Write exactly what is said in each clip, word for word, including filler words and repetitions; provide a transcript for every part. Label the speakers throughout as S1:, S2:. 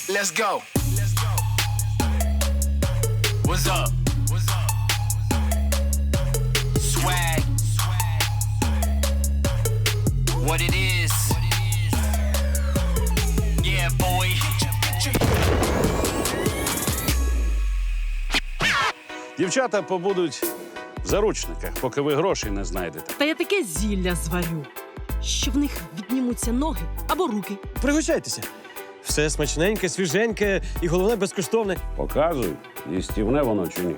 S1: Let's go. What's up? What's up? Swag. What it is. Yeah, boy.
S2: Дівчата побудуть в заручниках, поки ви грошей не знайдете.
S3: Та я таке зілля зварю, що в них віднімуться ноги або руки.
S4: Пригощайтеся. Все смачненьке, свіженьке і, головне, безкоштовне.
S2: Показуй, їстівне воно чи ні.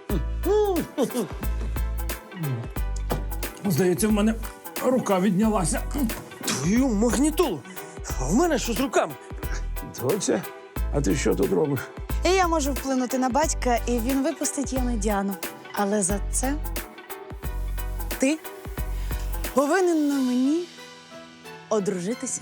S5: Здається, в мене рука віднялася.
S4: Твою магнітолу! А в мене що з руками?
S2: Доця, а ти що тут робиш?
S6: І я можу вплинути на батька, і він випустить Яну Діану. Але за це ти повинен на мені одружитися.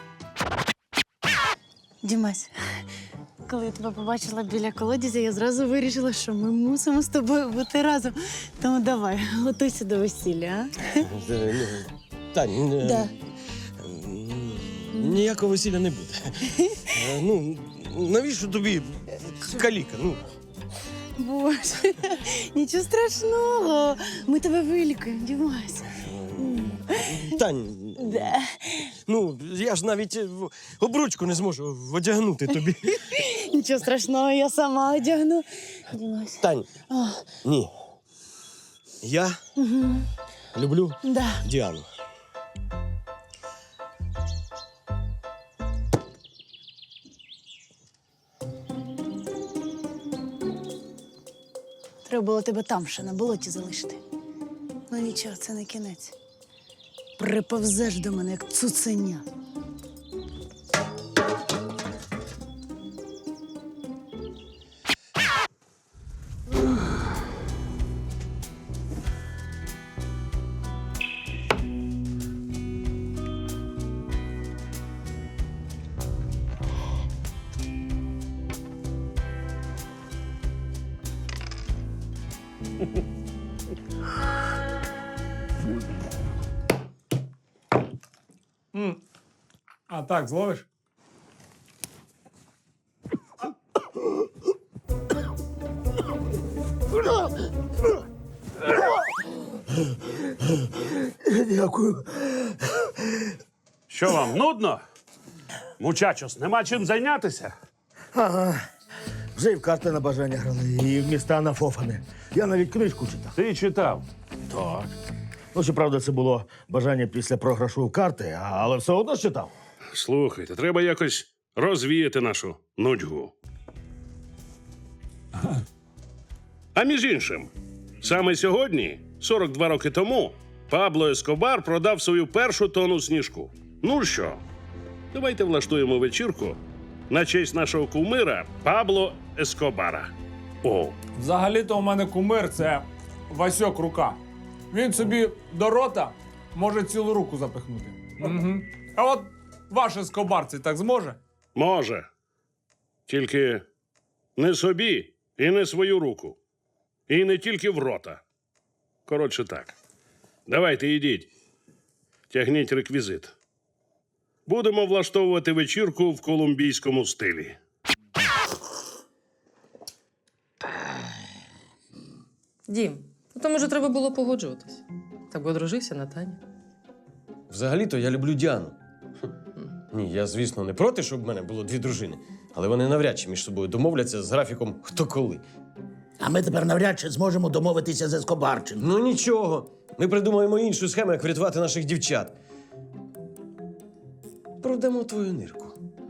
S6: Дімась, коли я тебе побачила біля колодязя, я зразу вирішила, що ми мусимо з тобою бути разом. Тому давай, готуйся до весілля, а?
S4: Тань, е,
S6: Да.
S4: ніякого весілля не буде. Е, Ну, навіщо тобі каліка? Ну,
S6: Боже, нічого страшного. Ми тебе вилікуємо, Дімась.
S4: Тань,
S6: Да.
S4: ну, я ж навіть е, в- обручку не зможу одягнути тобі.
S6: Нічого страшного, я сама одягну. Дімась.
S4: Тань, ні. Я люблю
S6: Да.
S4: Діану.
S6: Треба було тебе там ще на болоті залишити. Ну нічого, це не кінець. Приповзеш до мене, як цуценя.
S5: А так, зловиш?
S7: Дякую.
S2: Що вам, нудно? Мучачос, нема чим зайнятися?
S7: Ага. Вже і в карти на бажання грали, і в міста на фофани. Я навіть книжку читав.
S2: Ти читав.
S7: Так. Ну, щоправда, це було бажання після програшу в карти, а- але все одно читав.
S2: Слухайте, треба якось розвіяти нашу нудьгу. А між іншим, саме сьогодні, сорок два роки тому, Пабло Ескобар продав свою першу тонну сніжку. Ну що, давайте влаштуємо вечірку на честь нашого кумира Пабло Ескобара. О,
S5: Взагалі-то у мене кумир – це Васьок Рука. Він собі до рота може цілу руку запихнути. Угу. А от ваш Ескобар це так зможе?
S2: може. Тільки не собі і не свою руку. І не тільки в рота. Коротше так. Давайте йдіть. Тягніть реквізит. Будемо влаштовувати вечірку в колумбійському стилі.
S8: Дім, ну то, може, треба було погоджуватись. Так би одружився на Тані.
S4: Взагалі-то я люблю Діану. Хм. Ні, я, звісно, не проти, щоб в мене було дві дружини, але вони навряд чи між собою домовляться з графіком хто коли.
S9: А ми тепер навряд чи зможемо домовитися з Ескобарченком.
S4: Ну нічого. Ми придумаємо іншу схему, як врятувати наших дівчат. Продамо твою нирку.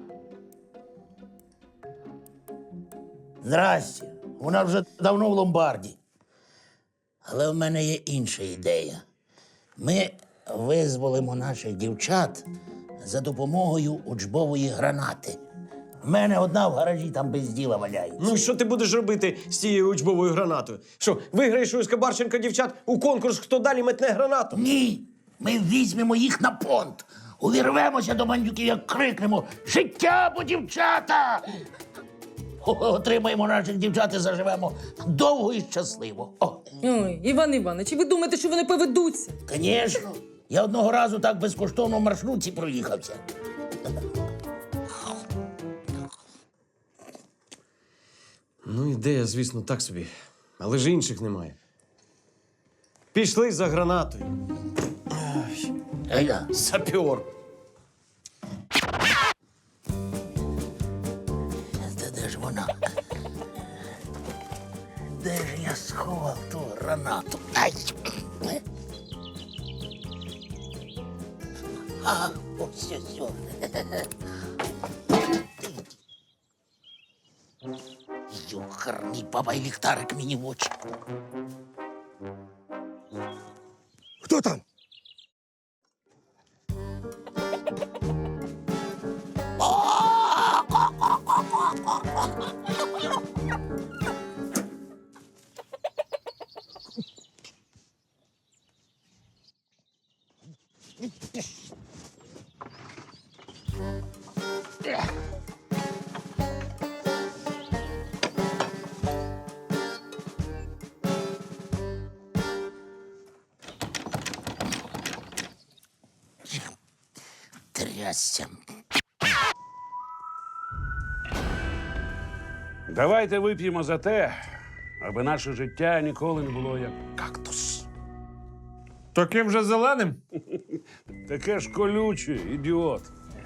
S9: Здрасте. Вона вже давно в ломбарді. Але в мене є інша ідея. Ми визволимо наших дівчат за допомогою учбової гранати. В мене одна в гаражі там без діла валяється.
S4: Ну що ти будеш робити з цією учбовою гранатою? Що, виграєш у Ескобарченка дівчат у конкурс, хто далі метне гранату?
S9: Ні, ми візьмемо їх на понт. Увірвемося до бандюків, як крикнемо «Життя або дівчата!» Отримаємо наших дівчат і заживемо довго і щасливо. О,
S8: Ой, Іван Іванович, ви думаєте, що вони поведуться?
S9: звісно. Я одного разу так безкоштовно в маршрутці проїхався.
S4: ідея, звісно, так собі. Але ж інших немає. Пішли за гранатою.
S9: Гайда.
S4: Сапіор.
S9: Та де ж вона? Де ж я сховав ту гранату? Ай! А, ось ось ось. Йохарний баба і ліхтарик мені в очі.
S7: Хто там?
S9: Трясся.
S2: Давайте вип'ємо за те, аби наше життя ніколи не було як кактус.
S5: Таким же зеленим?
S2: Таке ж колюче, ідіот.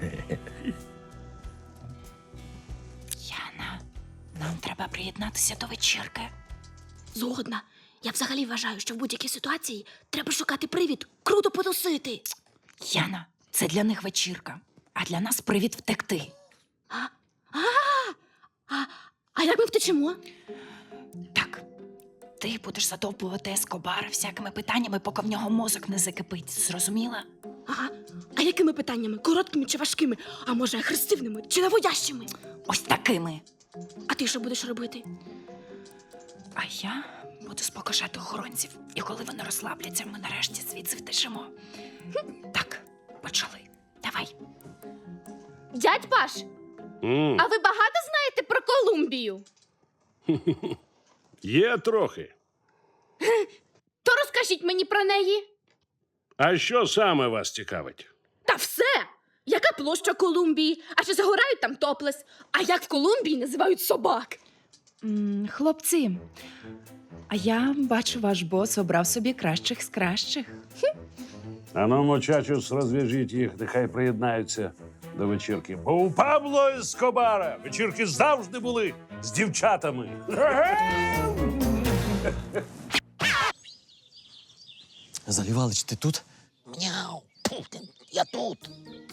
S10: Яна, нам треба приєднатися до вечірки.
S11: Згодна. Я взагалі вважаю, що в будь-якій ситуації треба шукати привід круто потусити.
S10: Яна, це для них вечірка, а для нас привід втекти.
S11: А, а, а як ми втечемо?
S10: Так, ти будеш задовбувати Ескобара всякими питаннями, поки в нього мозок не закипить. Зрозуміла?
S11: Ага. А якими питаннями? Короткими чи важкими? А може, агресивними чи наводящими?
S10: Ось такими.
S11: А ти що будеш робити?
S10: А я буду спокушати охоронців. І коли вони розслабляться, ми нарешті звідси втечемо. Так, почали. Давай.
S11: Дядь Паш,
S2: М,
S11: а ви багато знаєте про Колумбію?
S2: Є трохи.
S11: То розкажіть мені про неї.
S2: А що саме вас цікавить?
S11: Та все! Яка площа Колумбії? А чи загорають там топлес? А як в Колумбії називають собак?
S10: М, хлопці, а я бачу, ваш бос обрав собі кращих з кращих.
S2: А ну, мочачус, розв'яжіть їх, нехай приєднаються до вечірки. Бо у Пабло Ескобара вечірки завжди були з дівчатами.
S4: Залівалич, ти тут?
S9: Мяу. Тьфу ти, я тут.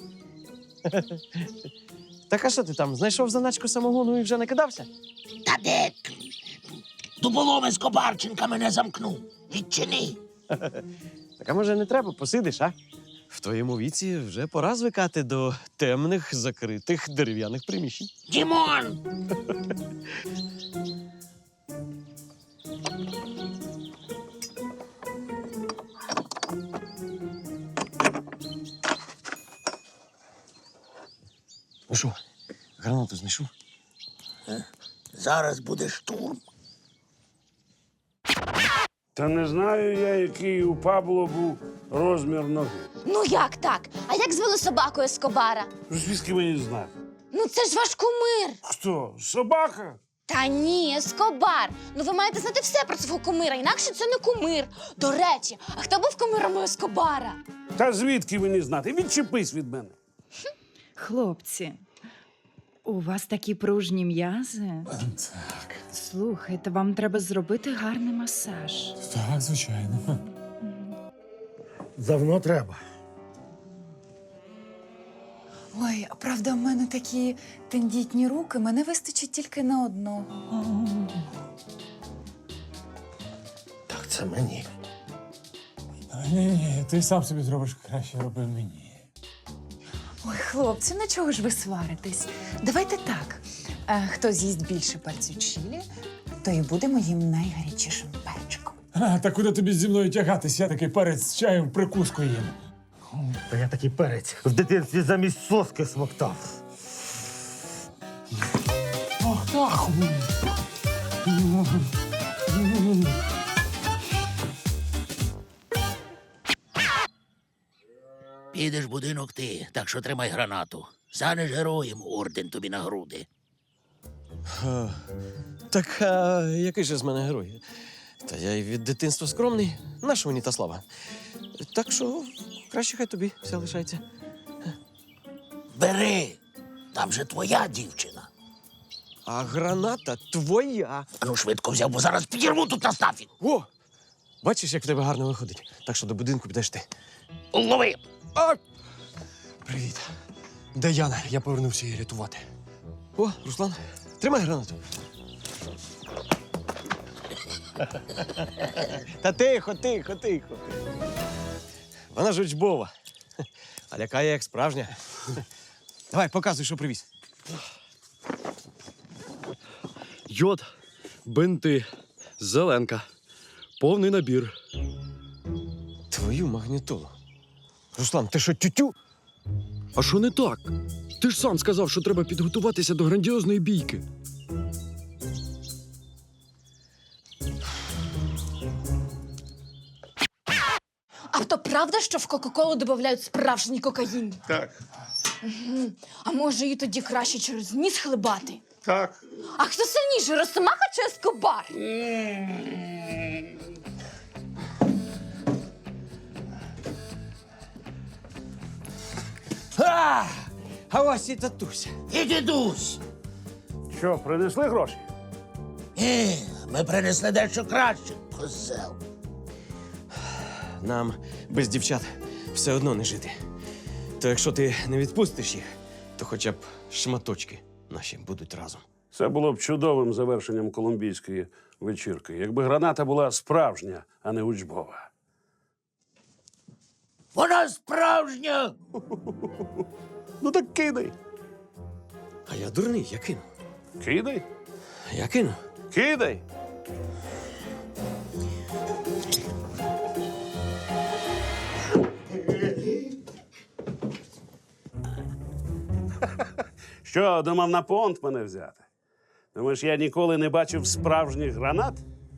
S4: Так а що ти там, знайшов заначку самогону і вже накидався?
S9: Та де? Дуболом Ескобарченка мене замкнув. Відчини.
S4: Так а може не треба, посидиш, а? В твоєму віці вже пора звикати до темних, закритих дерев'яних приміщень.
S9: Дімон!
S4: Ну що, гранату знайшов?
S9: Зараз буде штурм.
S2: Та не знаю я, який у Пабло був розмір ноги.
S11: Ну як так? А як звели собаку Ескобара?
S2: Звідки мені знати?
S11: Ну це ж ваш кумир.
S2: Хто? Собака?
S11: Та ні, Ескобар. Ну ви маєте знати все про свого кумира, інакше це не кумир. До речі, а хто був кумиром у Ескобара?
S2: Та звідки мені знати? Відчепись від мене.
S10: Хлопці, у вас такі пружні м'язи.
S5: Так,
S10: Слухайте, вам треба зробити гарний масаж.
S5: так, звичайно.
S7: Давно треба.
S12: Ой, а правда, в мене такі тендітні руки, мене вистачить тільки на одного.
S7: Так це мені.
S5: Ні, ні, ти сам собі зробиш краще, роби мені.
S12: Ой, хлопці, на чого ж ви сваритесь? Давайте так. А, хто з'їсть більше пальців чилі, то і буде моїм найгарячішим перчиком.
S5: А, та куди тобі зі мною тягатись? Я такий перець з чаєм в прикуску їм.
S7: Та я такий перець в дитинстві замість соски смоктав.
S5: Ох, так.
S9: Підеш в будинок ти, так що тримай гранату. Станеш героєм, орден тобі на груди.
S4: А, так а, який же з мене герой? Та я й від дитинства скромний. Наша мені та слава. Так що краще хай тобі все лишається.
S9: Бери, там же твоя дівчина.
S4: А граната твоя.
S9: А ну швидко взяв, бо зараз підірву тут на стафі.
S4: О! Бачиш, як в тебе гарно виходить. Так що до будинку підеш ти.
S9: Лови!
S4: А! Привіт. Де Яна? Я повернувся її рятувати. О, Руслан, тримай гранату. Та тихо, тихо, тихо. Вона ж учбова. А лякає як справжня. Давай, показуй, що привіз.
S13: Йод, бинти, зеленка. Повний набір.
S4: Твою магнітолу. Руслан, ти що, тютю?
S13: А що не так? Ти ж сам сказав, що треба підготуватися до грандіозної бійки.
S11: А то правда, що в Кока-Колу додають справжній кокаїн?
S2: Так.
S11: Угу. А може її тоді краще через ніс хлебати?
S2: Так.
S11: А хто сильніший, Росомаха чи Ескобар?
S4: А, а ось і татуся.
S9: І дідусь.
S2: Що, принесли гроші?
S9: Е, ми принесли дещо краще, козел.
S4: Нам без дівчат все одно не жити. То якщо ти не відпустиш їх, то хоча б шматочки наші будуть разом.
S2: Це було б чудовим завершенням колумбійської вечірки, якби граната була справжня, а не учбова.
S9: Вона справжня!
S2: Ну так кидай.
S4: А я дурний, я кину.
S2: Кидай.
S4: Я кину.
S2: Кидай. Що, думав на понт мене взяти? Думаєш, я ніколи не бачив справжніх гранат?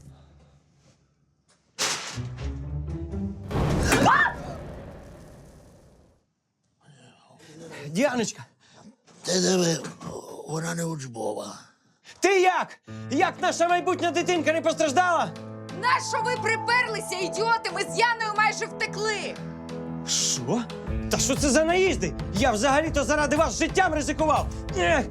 S4: Діаночка,
S9: Ти диви, вона не учбова.
S4: ти як? Як наша майбутня дитинка не постраждала?
S12: Нащо ви приперлися, ідіоти? Ми з Яною майже втекли.
S4: Що? Та що це за наїзди? Я взагалі-то заради вас життям ризикував. Ех!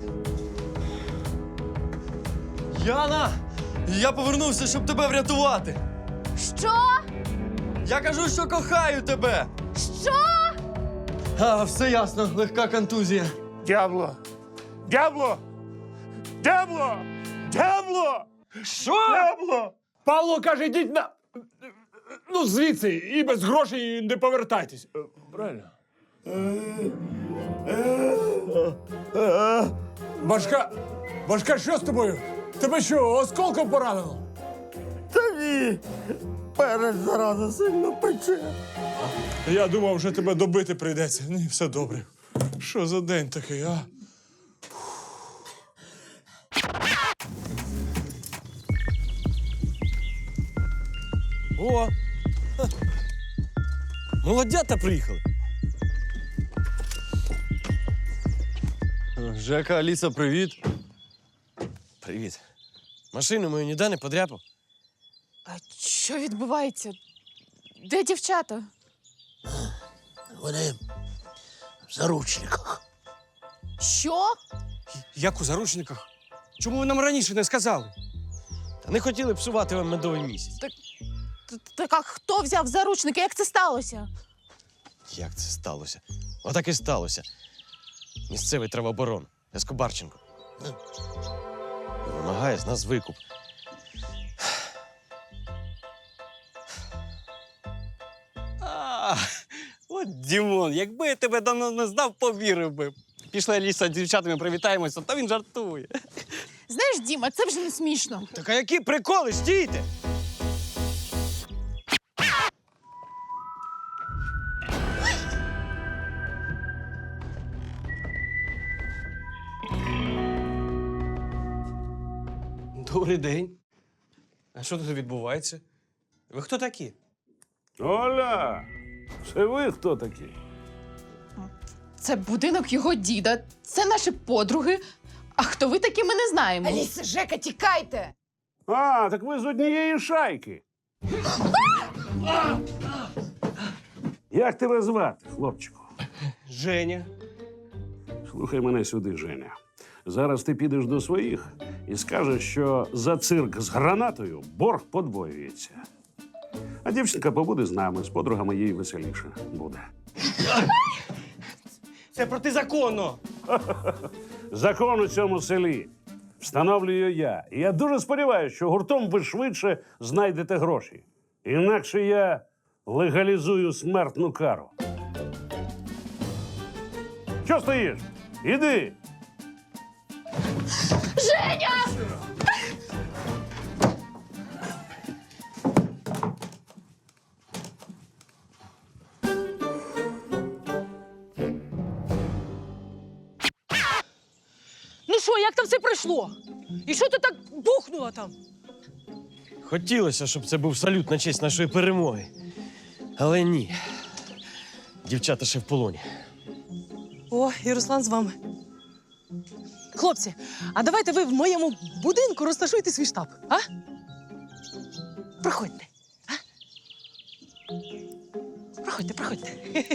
S13: Яна! Я повернувся, щоб тебе врятувати.
S11: Що?
S13: Я кажу, що кохаю тебе.
S11: Що?
S13: А, все ясно, легка контузія.
S2: Дябло! Дябло! Дябло! Дябло!
S4: Що?
S2: Дябло!
S5: Павло каже, йдіть на. Ну, звідси, і без грошей не повертайтесь. Е, Правильно? Башка. Башка, що з тобою? Тебе що, осколком поранено?
S7: Та ні. Перець зараза сильно пече.
S5: Я думав, що тебе добити прийдеться. Ні, все добре. Що за день такий, а?
S4: О! Ха. Молодята приїхали.
S13: Жека, Аліса, привіт.
S4: Привіт. Машину мою ніде не подряпав.
S12: А що відбувається? Де дівчата?
S9: Вони в заручниках.
S12: Що?
S4: Як у заручниках? Чому ви нам раніше не сказали? Та не хотіли псувати вам медовий місяць.
S12: Т- Так а хто взяв заручники? Як це сталося?
S4: Як це сталося? Отак і сталося. Місцевий травооборон Ескобарченко. І вимагає з нас викуп.
S14: А, от Дімон, якби я тебе давно не знав, повірив би. Пішли Аліса з дівчатами привітаємося, та він жартує.
S12: Знаєш, Діма, це вже не смішно.
S4: Так а які приколи? Стійте! Добрий день. А що тут відбувається? Ви хто такі?
S2: Оля! Це ви хто такі?
S12: Це будинок його діда, це наші подруги. А хто ви такі, ми не знаємо.
S3: Аліса, Жека, тікайте!
S2: А, так ви з однієї шайки. Як тебе звати, хлопчику?
S14: Женя.
S2: Слухай мене сюди, Женя. Зараз ти підеш до своїх і скажеш, що за цирк з гранатою борг подвоюється. А дівчинка побуде з нами, з подругами їй веселіше буде.
S14: Це протизаконно.
S2: Закон у цьому селі встановлюю я. І я дуже сподіваюся, що гуртом ви швидше знайдете гроші. Інакше я легалізую смертну кару. Що стоїш? Іди!
S11: Женя!
S3: Ну що, як там все пройшло? І що ти так бухнула там?
S4: Хотілося, щоб це був салют на честь нашої перемоги. Але ні. Дівчата ще в полоні.
S3: О, і Руслан з вами. Хлопці, а давайте ви в моєму будинку розташуйте свій штаб, а? Проходьте. А? Проходьте, проходьте.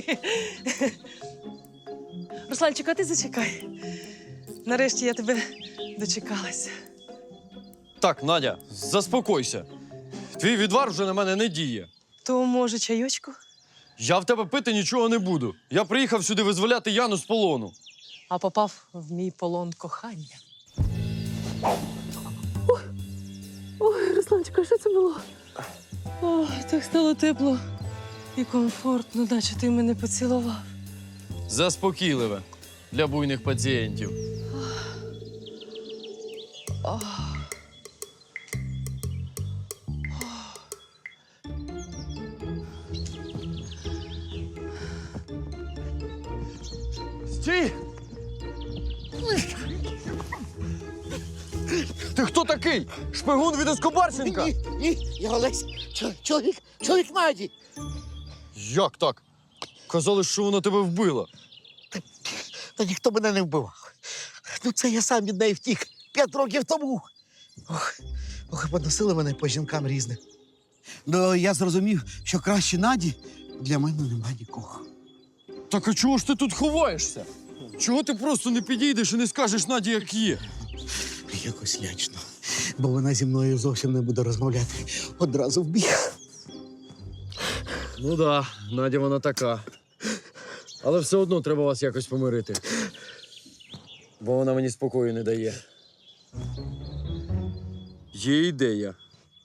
S3: Русланчик, а ти зачекай. Нарешті я тебе дочекалася.
S13: Так, Надя, заспокойся. Твій відвар вже на мене не діє.
S3: То, може, чайочку?
S13: Я в тебе пити нічого не буду. Я приїхав сюди визволяти Яну з полону.
S3: А попав в мій полон кохання. Ой, Русланчика, що це було? О, так стало тепло і комфортно, наче ти мене поцілував.
S13: Заспокійливе для буйних пацієнтів.
S3: О.
S13: Стій! Ти хто такий? Шпигун від Ескобарченка?
S9: Ні, ні, я Олесь, чо- чоловік, чоловік Наді.
S13: Як так? Казали, що вона тебе вбила.
S9: Та ніхто мене не вбивав. Ну це я сам від неї втік п'ять років тому. Ох, ох, і поносили мене по жінкам різним. Ну, я зрозумів, що краще Наді для мене нема нікого.
S13: Так а чого ж ти тут ховаєшся? Чого ти просто не підійдеш і не скажеш Наді, як є?
S9: Якось лячно, бо вона зі мною зовсім не буде розмовляти. Одразу вбіг.
S13: Ну да, Надя вона така. Але все одно треба вас якось помирити. Бо вона мені спокою не дає. Є ідея.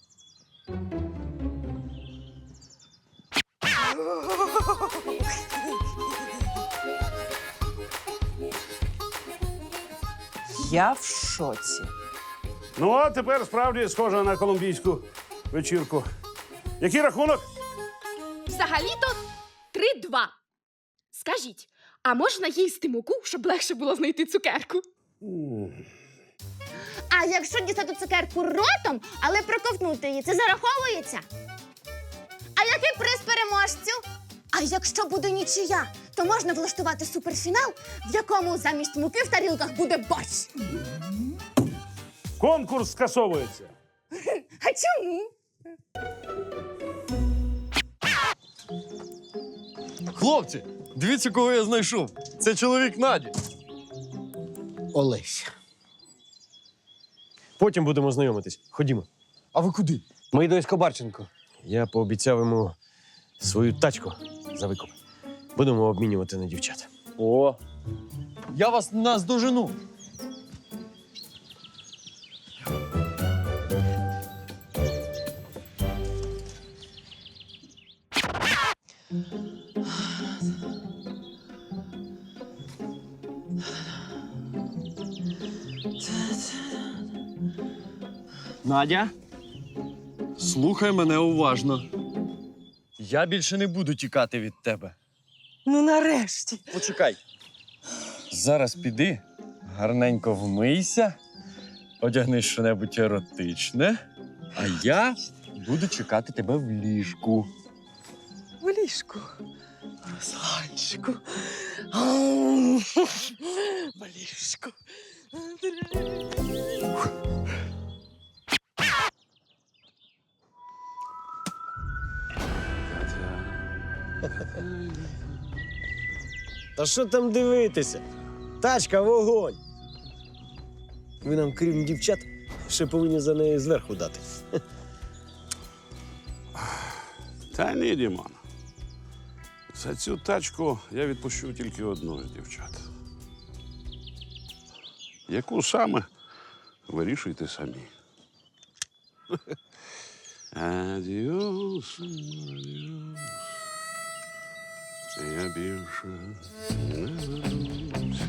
S3: Я в шоці.
S2: Ну, а тепер справді схоже на колумбійську вечірку. Який рахунок?
S11: Взагалі-то три-два. Скажіть, а можна їсти муку, щоб легше було знайти цукерку? А якщо дістати цукерку ротом, але проковтнути її, це зараховується? А який приз переможцю? А якщо буде нічия, то можна влаштувати суперфінал, в якому замість муки в тарілках буде борщ.
S2: Конкурс скасовується.
S11: А чому?
S13: Хлопці, дивіться, кого я знайшов. Це чоловік Наді.
S9: Олесь.
S4: Потім будемо знайомитись. Ходімо.
S13: А ви куди?
S4: Ми до Ескобарченко. Я пообіцяв йому свою тачку за викуп. Будемо обмінювати на дівчат.
S13: О, я вас наздожену. Надя, слухай мене уважно. Я більше не буду тікати від тебе.
S3: Ну, нарешті.
S13: Почекай. Зараз піди, гарненько вмийся, одягни що-небудь еротичне, а я буду чекати тебе в ліжку.
S3: В ліжку. Русланчику. В ліжку.
S4: Та що там дивитися? Тачка, вогонь! Ви нам, крім дівчат, ще повинні за неї зверху дати.
S2: Та ні, Дімон. За цю тачку я відпущу тільки одну з дівчат. Яку саме вирішуйте самі. Адіос, адіос. Я більше не вернуся.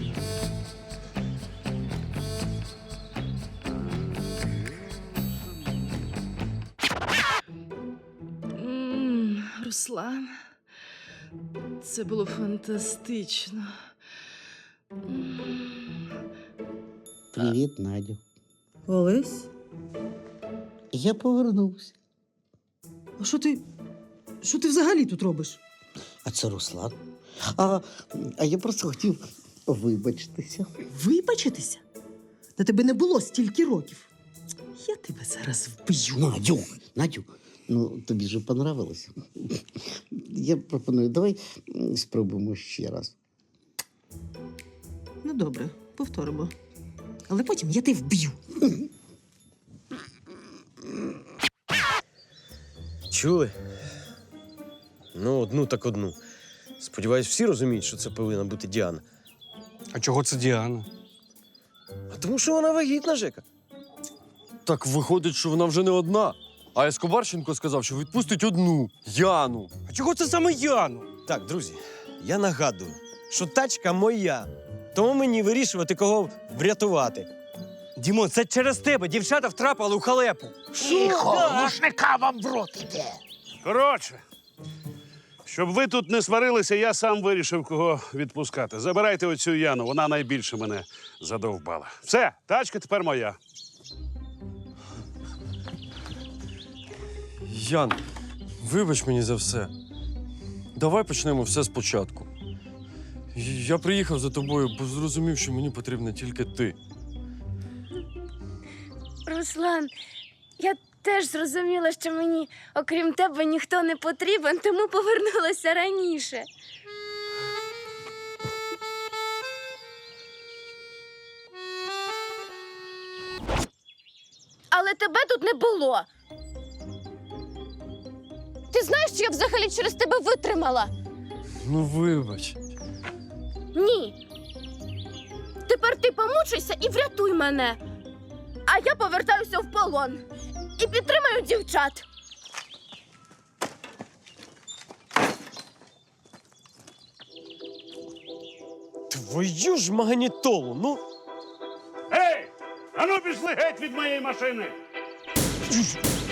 S3: М, Руслан, це було фантастично.
S9: Привіт, Надю.
S3: Олесь?
S9: Я повернувся.
S3: А що ти. Що ти взагалі тут робиш?
S9: А це Руслан. А, а я просто хотів вибачитися.
S3: Вибачитися? Та тебе не було стільки років. Я тебе зараз вб'ю.
S9: Надю, Надю, ну тобі ж понравилось. Я пропоную, давай м, спробуємо ще раз.
S3: Ну, добре, повторимо. Але потім я тебе вб'ю.
S4: Чули? Ну, одну так одну. Сподіваюсь, всі розуміють, що це повинна бути Діана.
S14: А чого це Діана?
S4: А тому що вона вагітна, Жека.
S13: Так виходить, що вона вже не одна. А Ескобарченко сказав, що відпустить одну Яну.
S14: А чого це саме Яну?
S4: Так, друзі, я нагадую, що тачка моя. Тому мені вирішувати, кого врятувати.
S14: Дімон, це через тебе. Дівчата втрапили у халепу.
S9: Тихо, глушника вам в рот іде.
S2: Коротше, щоб ви тут не сварилися, я сам вирішив, кого відпускати. Забирайте оцю Яну, вона найбільше мене задовбала. Все, тачка тепер моя.
S13: Ян, вибач мені за все. Давай почнемо все спочатку. Я приїхав за тобою, бо зрозумів, що мені потрібна тільки ти.
S11: Руслан, я теж зрозуміла, що мені, окрім тебе, ніхто не потрібен, тому повернулася раніше. Але тебе тут не було. Ти знаєш, що я взагалі через тебе витримала?
S13: Ну, вибач.
S11: Ні. Тепер ти помучайся і врятуй мене. А я повертаюся в полон і підтримаю дівчат.
S4: Твою ж магнітолу, ну.
S2: Ей! Ану пішли геть від моєї машини!